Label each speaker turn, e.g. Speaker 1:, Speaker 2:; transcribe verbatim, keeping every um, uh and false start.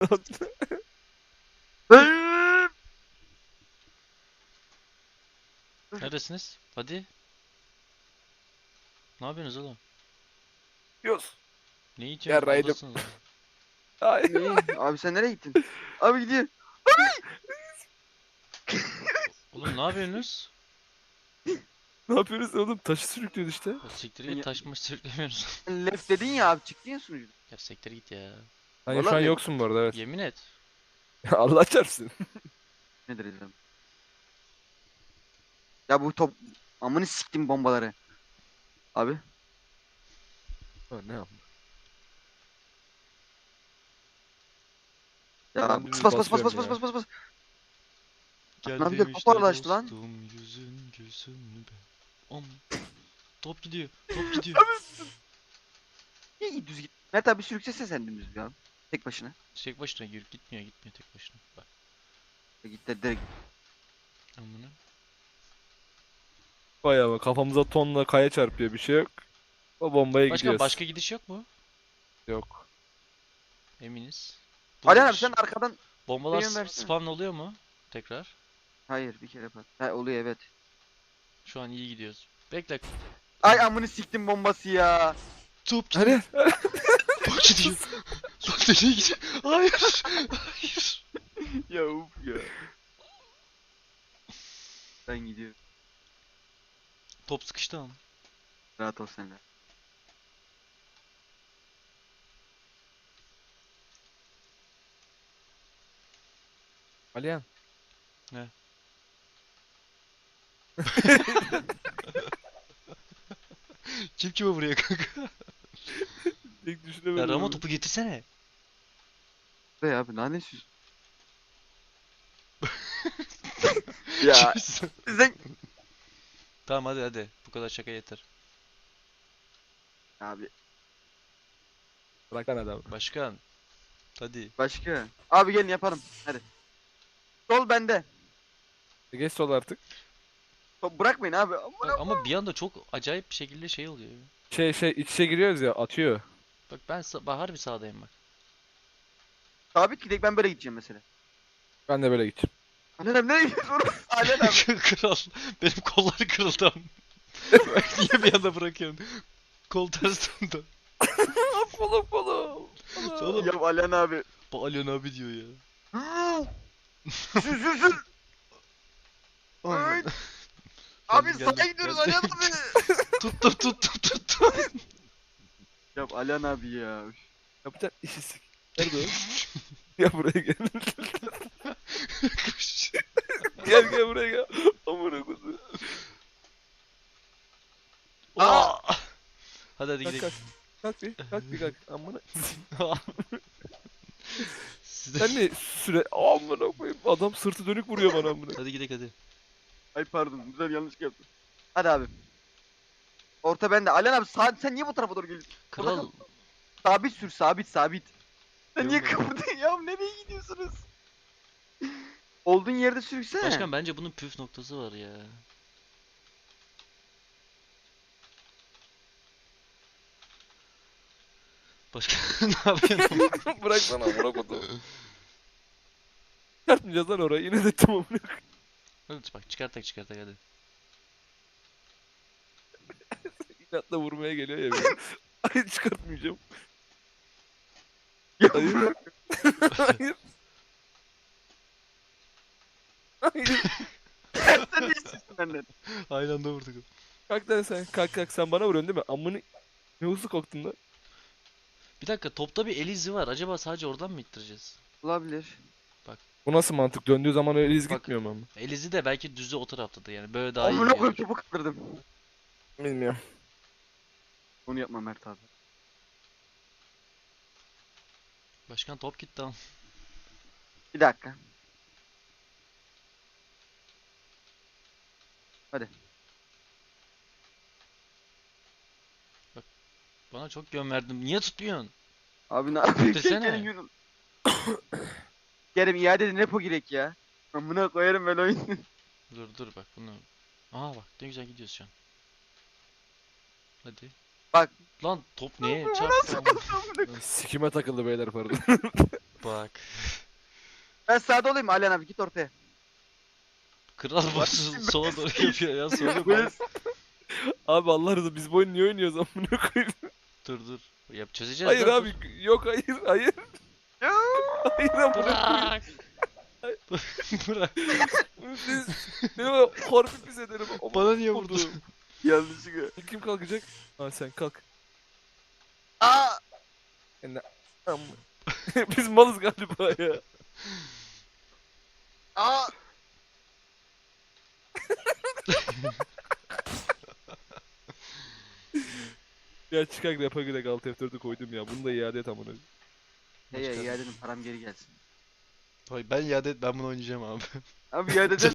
Speaker 1: Neredesiniz? Hadi. Ne yapıyorsunuz oğlum?
Speaker 2: Yos.
Speaker 1: Ne
Speaker 2: Ya
Speaker 1: yiyeceksiniz?
Speaker 2: raydım.
Speaker 1: Buradasınız oğlum.
Speaker 2: Ay.
Speaker 3: Ne? Abi sen nereye gittin? Abi gidiyor.
Speaker 1: Oğlum ne yapıyorsunuz?
Speaker 2: Ne yapıyoruz oğlum? Taşı sürüklüyoruz işte.
Speaker 1: Ya siktir git, taşmış sürüklemiyoruz.
Speaker 3: Left dedin ya abi, çıktın ya sunucuda.
Speaker 1: Ya siktir git ya.
Speaker 2: Hani şu
Speaker 3: Vallahi
Speaker 2: an
Speaker 3: mi?
Speaker 2: yoksun bu arada, evet.
Speaker 1: Yemin et.
Speaker 2: Allah çarpsın.
Speaker 3: Nedir dedim. Ya bu top... Amını siktim bombaları. Abi.
Speaker 2: Ha, ne yapma.
Speaker 3: Ya
Speaker 2: Ben
Speaker 3: bas
Speaker 2: düz
Speaker 3: bas bas bas
Speaker 2: basıyorum
Speaker 3: bas
Speaker 2: ya.
Speaker 3: bas bas bas.
Speaker 1: Gel
Speaker 3: Lan bir de
Speaker 1: demişler
Speaker 3: toparlaştı lan.
Speaker 1: dostum, yüzün gülsün be. Om. Top gidiyor. Top gidiyor.
Speaker 3: Niye iyi düz git? Mert abi sürüksesene sen dümdüz ya. Tek başına.
Speaker 1: Tek başına gir, gitmiyor gitmiyor tek başına. Bak.
Speaker 3: Ya git de direkt.
Speaker 1: Amına.
Speaker 2: Vay ama kafamıza tonla kaya çarpıyor, bir şey yok. O bombaya
Speaker 1: Başka
Speaker 2: gidiyoruz.
Speaker 1: başka gidiş yok mu?
Speaker 2: Yok.
Speaker 1: Eminiz. Bu
Speaker 3: Ali abi
Speaker 1: ş-
Speaker 3: sen arkadan...
Speaker 1: bombalar
Speaker 3: benim
Speaker 1: s-
Speaker 3: versene.
Speaker 1: spawn oluyor mu? Tekrar.
Speaker 3: Hayır bir kere pat. Ha oluyor evet.
Speaker 1: Şu an iyi gidiyoruz. Bekle.
Speaker 3: Ay amını siktim bombası ya.
Speaker 1: Top gidiyor.
Speaker 2: Hadi.
Speaker 1: Top gidiyor. Lan nereye gidiyor? Hayır. Hayır.
Speaker 3: Ya uf ya. Ben gidiyorum.
Speaker 1: Top sıkıştı ama.
Speaker 3: Rahat ol sen de.
Speaker 2: Aliyan.
Speaker 1: Ne? Kim kime vuruyor kanka?
Speaker 2: Tek
Speaker 1: Ya
Speaker 2: düşünemedim.
Speaker 1: Ramo
Speaker 2: abi.
Speaker 1: topu getirsene.
Speaker 3: Be abi nane süs. Ya sen...
Speaker 1: Tamam hadi hadi. Bu kadar şaka yeter.
Speaker 3: Abi
Speaker 2: Bırak lan adamı.
Speaker 1: Başkan. Hadi.
Speaker 3: başka. Abi gelin yapalım. Hadi. Sol bende.
Speaker 2: E, Geç sol artık.
Speaker 3: Top bırakmayın abi. Amına-
Speaker 1: Bak, ama bir anda çok acayip bir şekilde şey oluyor.
Speaker 2: Şey şey iç içe giriyoruz ya, atıyor.
Speaker 1: Bak ben sa- bak harbi sağdayım bak.
Speaker 3: Sabit gidek, ben böyle gideceğim mesela.
Speaker 2: Ben de böyle gideceğim.
Speaker 3: Alen abi nereye gidiyorsun? Alen abi.
Speaker 1: Kral. Benim kolları kırıldı ama. Niye bir anda bırakıyorsun? Kol ters döndü.
Speaker 2: Polo polo.
Speaker 1: Oğlum.
Speaker 3: Ya Alen abi.
Speaker 1: Bu Alyon abi diyor ya.
Speaker 3: Sür sür sür. Ay. Abi
Speaker 1: Geldim,
Speaker 3: sağa gidiyoruz
Speaker 1: geldim.
Speaker 3: Alen abi.
Speaker 1: Tuttum tuttum tuttum.
Speaker 3: Ya Alen abi ya.
Speaker 2: Yapacak işi sik. Nerede o? Gel buraya gel. Gel gel buraya gel. Amına koyayım.
Speaker 1: Aa! Hadi hadi
Speaker 2: Kalk
Speaker 1: gidelim.
Speaker 2: kalk. Kalk bir. Kalk bir kalk. Amına.
Speaker 1: Siz de-
Speaker 2: Sen ne süre... Amına koyayım. Adam sırtı dönük vuruyor bana amına.
Speaker 1: Hadi gidelim hadi.
Speaker 3: Ay pardon, güzel yanlış yaptım. Hadi abi. Orta bende. Alen abi sağ, sen niye bu tarafa doğru geliyorsun? Burada
Speaker 1: Kral.
Speaker 3: kal. Sabit sür, sabit sabit. Sen niye
Speaker 1: Görmüyorum.
Speaker 3: kıvırdın ya? Nereye gidiyorsunuz? Olduğun yerde sürüksene.
Speaker 1: Başkan bence bunun püf noktası var ya. Başkan ne yapıyorsun?
Speaker 2: Bırak lan amına koyayım. Çıkartmayacağız lan orayı. Yine de tamam.
Speaker 1: Hadi bak çıkartak çıkartak hadi.
Speaker 2: İnatla vurmaya geliyor ya beni. Ay çıkartmayacağım.
Speaker 3: Ya
Speaker 2: Hayır.
Speaker 3: bırak.
Speaker 2: Hayır. Hayır.
Speaker 3: Sen ne istiyorsun benden?
Speaker 1: Aynı anda vurduk.
Speaker 2: Kalk lan sen. Kalk kalk. Sen bana vuruyorsun değil mi? Amını... Ne hızlı korktun lan.
Speaker 1: Bir dakika topta bir el izi var. Acaba sadece oradan mı ittireceğiz?
Speaker 3: Olabilir.
Speaker 2: Bu nasıl mantık? Döndüğü zaman öyle iz
Speaker 1: Bak.
Speaker 2: gitmiyor mu ama?
Speaker 1: El izi de belki düzü o taraftadır yani. Böyle daha iyi
Speaker 3: Amına koyayım,
Speaker 1: gidiyor.
Speaker 3: topu kırdırdım.
Speaker 2: Bilmiyorum.
Speaker 3: Onu yapma Mert abi.
Speaker 1: Başkan top gitti ama.
Speaker 3: Bir dakika. Hadi.
Speaker 1: Bana çok yön verdin. Niye tutmuyorsun?
Speaker 3: Abi ne yapıyorsun?
Speaker 1: Desene.
Speaker 3: Gelin yürü. Kerem iade edin, repo girek ya. Amına koyarım ben oyunu.
Speaker 1: Dur dur bak bunu. Aa bak ne güzel gidiyoruz şu an. Hadi.
Speaker 3: Bak.
Speaker 1: Lan top neye
Speaker 3: Bu
Speaker 1: çarptı?
Speaker 3: nasıl oldu amına?
Speaker 2: Sikime takıldı beyler pardon.
Speaker 1: bak.
Speaker 3: Ben sağda olayım Alihan abi git ortaya.
Speaker 1: Kral başı sola doğru yapıyor ya sonra
Speaker 3: Böyle
Speaker 1: bak.
Speaker 2: Abi Allah razı biz bu oyunu niye oynuyoruz amına koyayım?
Speaker 1: Dur dur. Yap çözeceğiz
Speaker 2: Hayır
Speaker 1: lan,
Speaker 2: abi yok hayır hayır. Hayır amına
Speaker 1: dur.
Speaker 2: koyayım.
Speaker 1: Bırak. Bırak.
Speaker 2: Siz benim o harbi pis ederim. Aman
Speaker 1: Bana niye
Speaker 2: oldu.
Speaker 1: vurdun?
Speaker 3: yanlışlıkla.
Speaker 2: Kim kalkacak? Ha sen kalk.
Speaker 3: Aa!
Speaker 2: Amma. Biz malız galiba ya.
Speaker 3: Aa!
Speaker 2: Ya çıkar rapa göre alt F dört'ü koydum ya. Bunu da iade et amına.
Speaker 3: Hey ya iade edin param geri gelsin.
Speaker 1: Hayır ben iade et, ben bunu oynayacağım abi.
Speaker 3: Abi iade eder